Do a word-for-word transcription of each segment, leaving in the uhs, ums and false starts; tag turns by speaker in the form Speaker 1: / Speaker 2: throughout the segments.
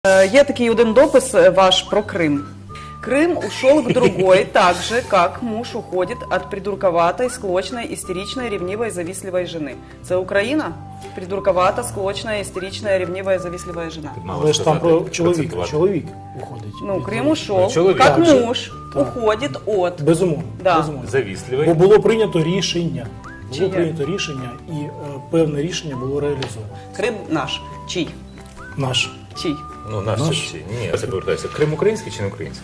Speaker 1: Є такий один допис ваш про Крым. Крым ушел к другой, так же, как муж уходит от придурковатой, склочной, истеричной, ревнивой, завистливой жены. Це Україна? Придурковата, склочна, істерична, ревнива, завістлива жена.
Speaker 2: Але ж там про чоловіка. Чоловік уходить.
Speaker 1: Ну, Крим ушов,
Speaker 3: Чоловік.
Speaker 1: як
Speaker 2: Так же.
Speaker 1: муж
Speaker 2: Так.
Speaker 1: уходить от.
Speaker 2: Безумовно.
Speaker 1: Да.
Speaker 2: Безумовно.
Speaker 3: Завістливий.
Speaker 2: Бо було прийнято рішення. Було
Speaker 1: Чиє?
Speaker 2: прийнято рішення, і е, певне рішення було реалізовано.
Speaker 1: Крим наш. Чий?
Speaker 2: Наш.
Speaker 1: Чий?
Speaker 3: Ну, наш,
Speaker 2: Наш.
Speaker 3: чи ні, я повертаюся. Крим український чи не український?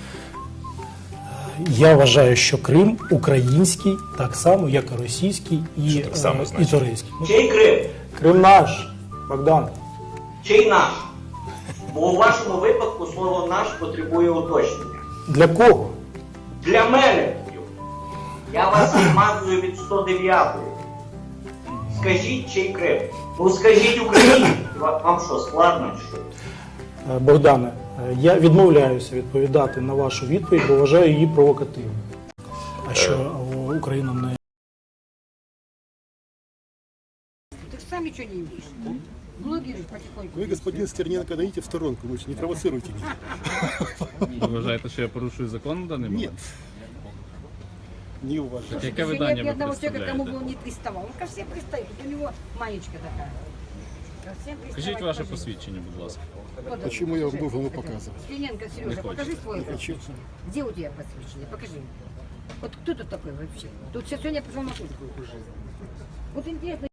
Speaker 2: Я вважаю, що Крим український, так само, як і російський, і,
Speaker 3: Що так само
Speaker 2: е, і
Speaker 3: значить?
Speaker 2: турецький. Ну,
Speaker 4: Чий Крим?
Speaker 2: Крим наш, Богдан.
Speaker 4: Чий наш? Бо у вашому випадку слово наш потребує уточнення.
Speaker 2: Для кого?
Speaker 4: Для мене. Я вас відмазую від сто дев'ятої. Скажіть, чий Крим? Ну скажіть Україні. Вам що, складно чи що?
Speaker 2: Е, Богдане, е, я відмовляюся відповідати на вашу відповідь, бо вважаю її провокативною. А що е, Україна не...
Speaker 5: Ты же сам ничего не имеешь. Блогеры потихоньку.
Speaker 6: Вы, господин Стерненко, дайте в сторонку, лучше не провоцируйте меня.
Speaker 7: Ви вважаєте, що я порушую закон в даний момент?
Speaker 6: Нет. Не уважаю.
Speaker 7: Яке
Speaker 5: Нет
Speaker 7: видання
Speaker 5: ни
Speaker 7: ви
Speaker 5: одного человека, к кому
Speaker 7: представляєте?
Speaker 5: бы он не приставал. Он ко всем пристает. У него маечка такая. Ко всем приставать,
Speaker 7: Скажіть ваше
Speaker 5: покажи.
Speaker 7: посвідчення, будь ласка.
Speaker 5: Вот,
Speaker 6: Почему я вам
Speaker 5: вот,
Speaker 6: должен его
Speaker 5: это.
Speaker 6: показывать?
Speaker 5: Стерненко, Сережа,
Speaker 7: Не
Speaker 5: покажи
Speaker 7: хочешь.
Speaker 5: свой.
Speaker 6: Не хочу.
Speaker 5: Где у тебя посвящение? Покажи. Вот кто тут такой вообще? Тут все сегодня пришел на куртку. Вот интересно.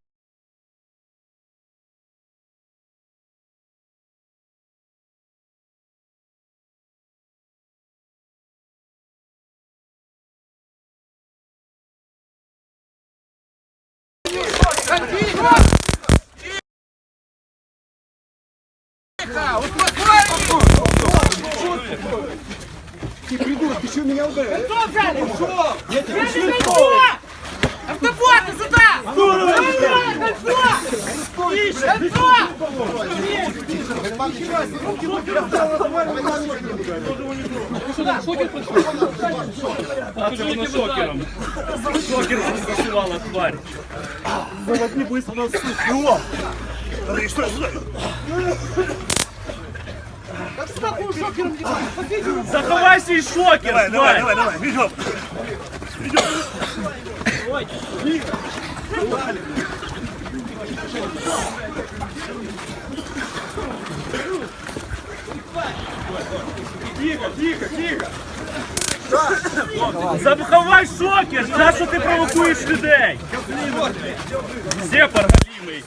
Speaker 8: Автопорты сюда! Кольцо! Кольцо!
Speaker 7: Покажи шокером. Шокером засувала тварь. Заховай свій шокер, тварь! Давай, давай, давай, бігом! Тихо, тихо, тихо! Заховай шокер! За що ти провокуєш людей? Зепар галімий!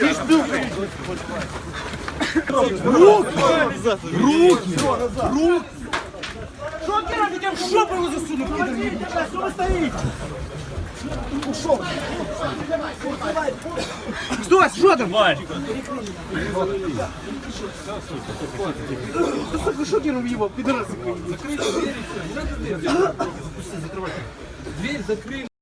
Speaker 8: Шокером я в жопу его засуну! Подождите, что вы стоите? Ушел! Стой, что там?
Speaker 7: Тварь!
Speaker 8: Сука, шокером его, пидорасы! Закрыть дверь! Дверь закрыть! Дверь закрыть!